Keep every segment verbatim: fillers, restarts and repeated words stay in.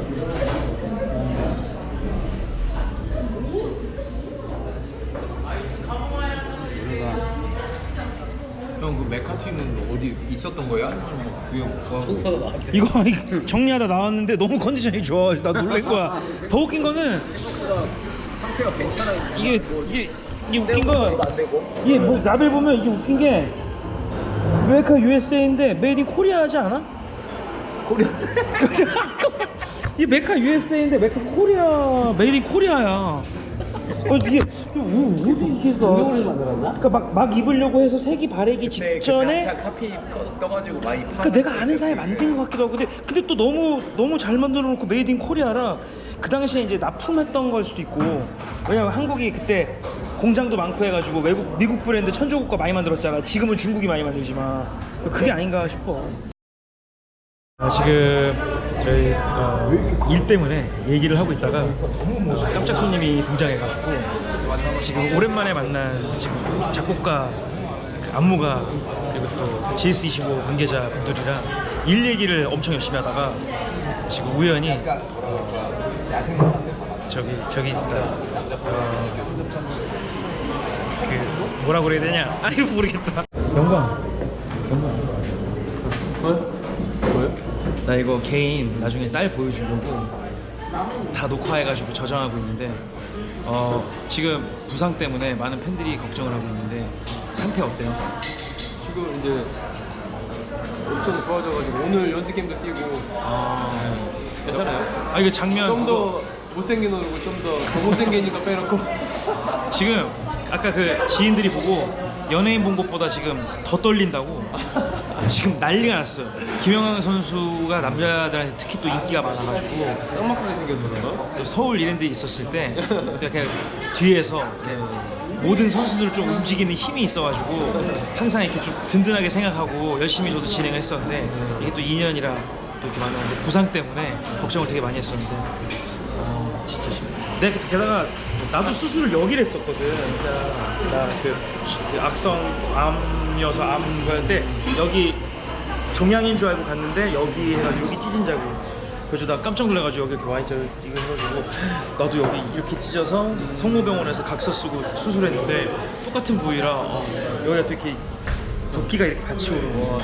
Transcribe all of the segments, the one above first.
형 그 메카티는 어디 있었던 거야? 아니면 뭐 구형 구하고? 이거 이거 정리하다 나왔는데 너무 컨디션이 좋아. 나 놀란 거야. 더 웃긴 거는 상태가 괜찮아. 이게 이게 이게 웃긴 거 이게 뭐 라벨 보면 이게 웃긴 게 메카 유에스에이인데 메이드 인 코리아 하지 않아? 코리아. 이 메카 유에스에이인데 메카 코리아 메이드 인 코리아야. 어 이게 어, 어디 이게 공룡을 만들었나? 그러니까 막, 막 입으려고 해서 색이 바르기 직전에 카피 떠가지고 많이 파. 그러니까 내가 아는 사이에 만든 것 같기도 하고 근데 근데 또 너무 너무 잘 만들어 놓고 메이드 인 코리아라 그 당시에 이제 납품했던 걸 수도 있고 왜냐면 한국이 그때 공장도 많고 해가지고 외국 미국 브랜드 천조국가 많이 만들었잖아. 지금은 중국이 많이 만들지만 그게 아닌가 싶어. 아, 지금 저희 어, 일 때문에 얘기를 하고 있다가 깜짝 손님이 등장해가지고 지금 오랜만에 만난 지금 작곡가 그 안무가 그리고 또 지에스 이십오 관계자 분들이랑 일 얘기를 엄청 열심히 하다가 지금 우연히 어, 저기 저기 있다 어, 그 뭐라고 그래야 되냐? 아이 모르겠다. 영광 영광 뭐? 뭐요? 나 이거 개인 나중에 딸 보여주려고 다 녹화해가지고 저장하고 있는데 어 지금 부상 때문에 많은 팬들이 걱정을 하고 있는데 상태 어때요? 지금 이제 엄청 좋아져가지고 오늘 연습 게임도 뛰고 아 괜찮아요? 아 이거 장면 좀 더 못생긴 얼굴 좀 더 더 못생기니까 빼놓고 지금 아까 그 지인들이 보고 연예인 본 것보다 지금 더 떨린다고 지금 난리가 났어요. 김영환 선수가 남자들한테 특히 또 인기가 많아가지고 쌍막하게 생겨서 그런가? 또 서울 이랜드에 있었을 때 이렇게 뒤에서 이렇게 모든 선수들을 좀 움직이는 힘이 있어가지고 항상 이렇게 좀 든든하게 생각하고 열심히 저도 진행을 했었는데 이게 또 이 년이라 또 이렇게 많았는데 부상 때문에 걱정을 되게 많이 했었는데 어, 진짜 심해. 내가 게다가 나도 수술을 여기를 했었거든. 나그 그 악성 암이어서 암 거였는데 여기 종양인 줄 알고 갔는데 여기 해가지고 여기 찢은 자국. 그래서 나 깜짝 놀라가지고 여기 이렇게 와있자 이거 해가지고 나도 여기 이렇게 찢어서 성모병원에서 각서 쓰고 수술했는데 똑같은 부위라 어, 여기가 또 이렇게 붓기가 이렇게 같이 오는 거.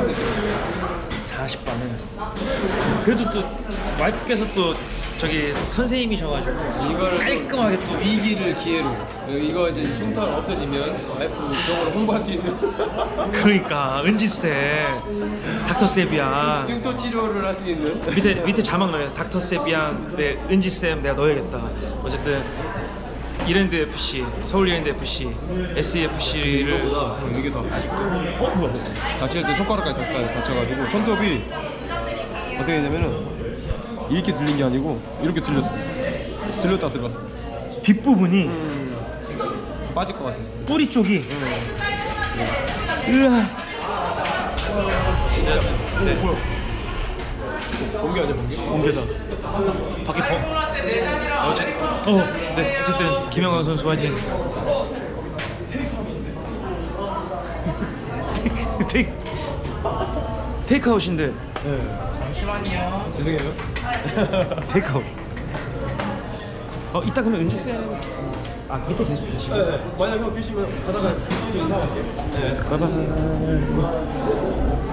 사십 반은 그래도 또 와이프께서 또 저기 선생님이셔가지고 이거를 깔끔하게 또 위기를 기회로 이거 이제 흉터 없어지면 와이프 쪽으로 홍보할 수 있는 그러니까 은지쌤 닥터 세비안 흉터 치료를 할 수 있는 밑에 밑에 자막 넣어요. 닥터 세비안 네, 은지쌤 내가 넣어야겠다. 어쨌든 이랜드 에프씨 서울 이랜드 에프씨 에스이에프씨를 이거보다 이게 더 어 뭐야 다칠 때 손가락까지 다쳐, 다쳐가지고 손톱이 어떻게 되냐면은 이렇게 들린 게 아니고 이렇게 들렸어. 들렸다 들었어. 뒷부분이 음, 빠질 것 같아. 뿌리 쪽이 으아 진짜 네. 어, 뭐야 번개 아니야 번개? 공개다 밖에 버 어째 어네 어쨌든 김영광 선수 화이팅. 테이크 테이크아웃인데 네. 잠시만요. 죄송해요. 테이크아웃. 어 이따 그러면 은지 쌤. 아 밑에 계속 계시고. 네, 네. 만약 형 계시면 가다가 인사할게요. 네. 바이바이.